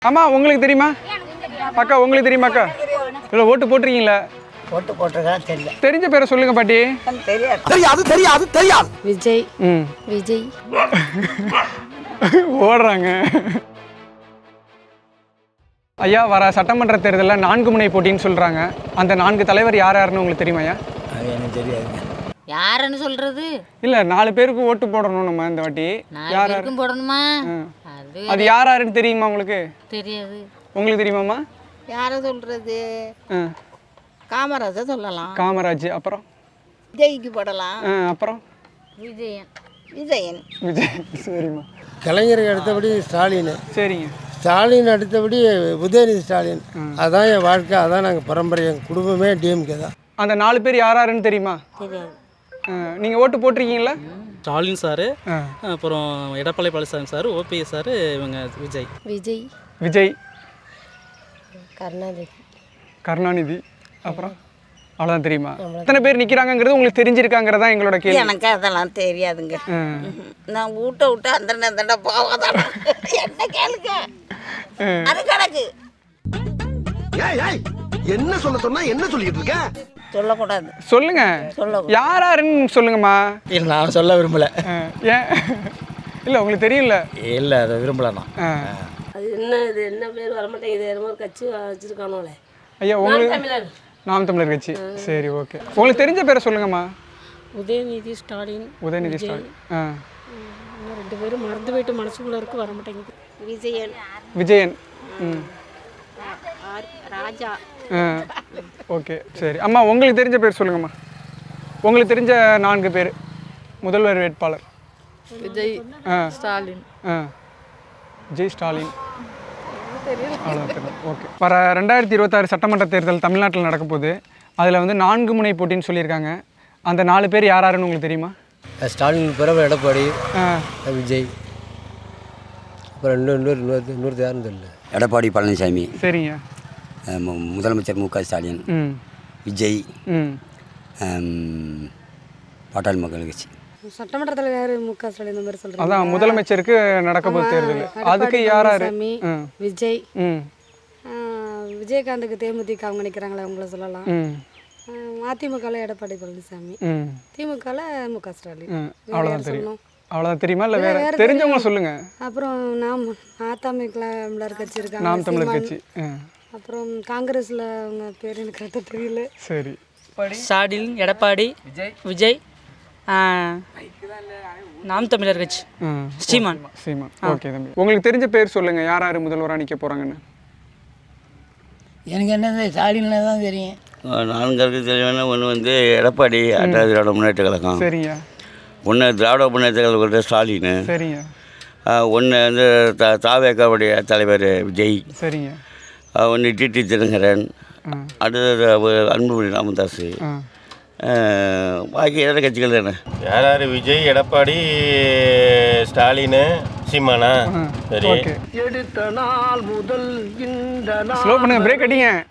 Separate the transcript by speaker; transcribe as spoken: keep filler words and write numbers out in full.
Speaker 1: அம்மா உங்களுக்கு தெரியுமா? அக்கா உங்களுக்கு தெரியுமா அக்கா? இல்லை ஓட்டு போட்டிருக்கீங்களா?
Speaker 2: ஓட்டு போட்டிருக்கா தெரியல.
Speaker 1: தெரிஞ்ச பேரை சொல்லுங்க பாட்டி.
Speaker 2: தெரியாது
Speaker 3: தெரியாது தெரியாது தெரியாது.
Speaker 4: விஜய்.
Speaker 1: ம்
Speaker 4: விஜய்
Speaker 1: ஓடுறாங்க. ஐயா வர சட்டமன்ற தேர்தலில் நான்கு முனை போட்டின்னு சொல்கிறாங்க. அந்த நான்கு தலைவர் யார் யாருன்னு உங்களுக்கு தெரியுமா ஐயா?
Speaker 2: அது எனக்கு தெரியாதுங்க.
Speaker 4: யாருன்னு சொல்றது?
Speaker 1: இல்லை நாலு பேருக்கு ஓட்டு போடணும் நம்ம இந்த வாட்டி.
Speaker 4: நாலு
Speaker 1: யார்
Speaker 4: பேருக்கும் போடணுமா?
Speaker 1: ம்.
Speaker 4: அது
Speaker 1: அது யார் யாருன்னு தெரியுமா உங்களுக்கு?
Speaker 4: தெரியாது.
Speaker 1: உங்களுக்கு தெரியுமாம்மா?
Speaker 5: யாரை சொல்கிறது?
Speaker 1: ஆ
Speaker 5: காமராஜை சொல்லலாம்.
Speaker 1: காமராஜ். அப்புறம்
Speaker 5: விஜய்க்கு போடலாம்.
Speaker 1: ஆ அப்புறம்
Speaker 4: விஜயன்.
Speaker 5: விஜயன்.
Speaker 1: விஜய். சரிம்மா.
Speaker 6: கலைஞருக்கு அடுத்தபடி ஸ்டாலின்.
Speaker 1: சரிங்க.
Speaker 6: ஸ்டாலின் அடுத்தபடி உதயநிதி ஸ்டாலின். அதான் என் வாழ்க்கை, அதான் நாங்கள் பரம்பரை, எங்கள் குடும்பமே டிஎம்கே தான்.
Speaker 1: அந்த நாலு பேர் யார் யாருன்னு தெரியுமா?
Speaker 4: தெரியாது.
Speaker 1: நீங்கள் ஓட்டு போட்டிருக்கீங்களா?
Speaker 7: ஸ்டாலின் சார்,
Speaker 1: ஆ
Speaker 7: அப்புறம் எடப்பாடி பழனிசாமி சார், ஓபிஎஸ் சார், இவங்க விஜய்.
Speaker 4: விஜய்.
Speaker 1: விஜய்.
Speaker 4: கருணாநிதி.
Speaker 1: கருணாநிதி. அப்புறம் அவ்வளோதான் தெரியுமா? எத்தனை பேர் நிற்கிறாங்கங்கிறது உங்களுக்கு தெரிஞ்சிருக்காங்கிறதா எங்களோட கேள்வி.
Speaker 5: எனக்கு அதெல்லாம் தெரியாதுங்க.
Speaker 1: ஆ.
Speaker 5: நான் ஊட்ட விட்டு அந்த அந்த போவாதான் என்ன கேளுங்க. அது கணக்கு
Speaker 3: ஏய் ஏய் என்ன சொல்ல சொன்னா என்ன சொல்லிட்டு இருக்க?
Speaker 5: சொல்லக்கூடாது.
Speaker 1: சொல்லுங்க.
Speaker 5: சொல்லக்கூடாது.
Speaker 1: யார் யாருன்னு சொல்லுங்கம்மா.
Speaker 6: இல்லை நான் சொல்ல விரும்பலை.
Speaker 1: ஆ, ஏன் இல்லை உங்களுக்கு தெரியல?
Speaker 6: இல்லை அதை விரும்பலைண்ணா.
Speaker 1: ஆ.
Speaker 8: அது என்ன இது என்ன பேர் வரமாட்டேங்குது, என்னமோ ஒரு கட்சி வச்சுருக்கானோலே.
Speaker 1: ஐயா உங்களுக்கு நாம் தமிழர் கட்சி. சரி ஓகே. உங்களுக்கு தெரிஞ்ச பேரை சொல்லுங்கம்மா.
Speaker 8: உதயநிதி ஸ்டாலின்.
Speaker 1: உதயநிதி ஸ்டாலின். ஆ
Speaker 8: இன்னும் ரெண்டு பேரும் மறந்து போயிட்டு மனசுக்குள்ளே இருக்கு, வரமாட்டேங்குது.
Speaker 5: விஜயன்.
Speaker 1: விஜயன். ம்
Speaker 5: ராஜா.
Speaker 1: ஆ ஓகே சரி. அம்மா உங்களுக்கு தெரிஞ்ச பேர் சொல்லுங்கம்மா. உங்களுக்கு தெரிஞ்ச நான்கு பேர் முதல்வர் வேட்பாளர்.
Speaker 8: விஜய்.
Speaker 1: ஆ
Speaker 8: ஸ்டாலின்.
Speaker 1: ஆ விஜய் ஸ்டாலின். அவ்வளோதான். ஓகே. வர ரெண்டாயிரத்தி இருபத்தாறு சட்டமன்ற தேர்தல் தமிழ்நாட்டில் நடக்க போகுது. அதில் வந்து நான்கு முனை போட்டின்னு சொல்லியிருக்காங்க. அந்த நாலு பேர் யார் யாருன்னு உங்களுக்கு தெரியுமா?
Speaker 6: ஸ்டாலின் பிறகு எடப்பாடி,
Speaker 1: ஆ
Speaker 6: விஜய், அப்புறம் இன்னொரு இன்னொரு இன்னொரு இன்னொரு யாருன்னு தெரியல.
Speaker 9: எடப்பாடி பழனிசாமி,
Speaker 1: சரிங்க.
Speaker 9: மு- முதலமைச்சர் மு க ஸ்டாலின்,
Speaker 1: ம்
Speaker 9: விஜய்,
Speaker 1: ம்
Speaker 9: ஆம், பாட்டாளி மக்கள் கட்சி.
Speaker 4: சட்டமன்றத்தில் யார்? மு க ஸ்டாலின் இந்த மாதிரி சொல்கிறாங்க.
Speaker 1: அதான் முதலமைச்சருக்கு நடக்க போகுது தேர்தல். அதுக்கு யார் யார்? ம்
Speaker 4: விஜய்.
Speaker 1: ம்
Speaker 4: ஆ, விஜயகாந்துக்கு தேமுதிக அவங்க நிற்கிறாங்களே, அவங்கள சொல்லலாம்.
Speaker 1: ம்
Speaker 4: அதிமுகவில் எடப்பாடி பழனிசாமி.
Speaker 1: ம்
Speaker 4: திமுகவில் மு க ஸ்டாலின்.
Speaker 1: ம்
Speaker 4: வேற
Speaker 1: அவ்வளோதான்
Speaker 4: யார்
Speaker 1: தெரியும்.
Speaker 4: சொல்லணும்?
Speaker 1: அவ்வளோதான் தெரியுமா? இல்லை வேற
Speaker 4: வேற
Speaker 1: தெரிஞ்சவங்க
Speaker 4: தெரியும்.
Speaker 1: சொல்லுங்க.
Speaker 4: அப்புறம் நாம் அதிமுகவில் கட்சி இருக்காங்க,
Speaker 1: நாம் தமிழர்
Speaker 4: சீமான்.
Speaker 1: கட்சி. ஆ
Speaker 4: அப்புறம் காங்கிரஸில் அவங்க பேர் எனக்கு கரெக்டாக தெரியல.
Speaker 1: சரி.
Speaker 7: ஸ்டாலின், எடப்பாடி, விஜய், நாம் தமிழர் கட்சி,
Speaker 1: ஆ
Speaker 7: சீமான்.
Speaker 1: சீமான். ஓகே தம்பி. உங்களுக்கு தெரிஞ்ச பேர் சொல்லுங்க. யார் யார் முதல்வராக நிற்க போகிறாங்கன்னு?
Speaker 2: எனக்கு என்னது ஸ்டாலின் தான் தெரியும்.
Speaker 9: நான்கு தெளிவான ஒன்று வந்து எடப்பாடி அண்ணா திராவிட முன்னேற்ற கழகம்,
Speaker 1: சரிங்க.
Speaker 9: ஒன்று திராவிட முன்னேற்ற கழகத்தோட ஸ்டாலின்,
Speaker 1: சரிங்க.
Speaker 9: ஒன்று வந்து த தாவேக்காவுடைய தலைவர் விஜய்,
Speaker 1: சரிங்க.
Speaker 9: ஒன்று டிடி தினகரன்,
Speaker 1: ஆ
Speaker 9: அடுத்தது அவ- அன்புமணி ராமதாஸ்,
Speaker 1: ஆ
Speaker 9: பாக்கி எதிர கட்சிகள் தானே.
Speaker 10: யார் யார்? விஜய், எடப்பாடி, ஸ்டாலின், சீமானா? சரி.
Speaker 1: ஓகே.
Speaker 6: எடுத்த நாள் முதல் இந்த
Speaker 1: ஸ்லோ பண்ணுங்க. பிரேக் அடிங்க.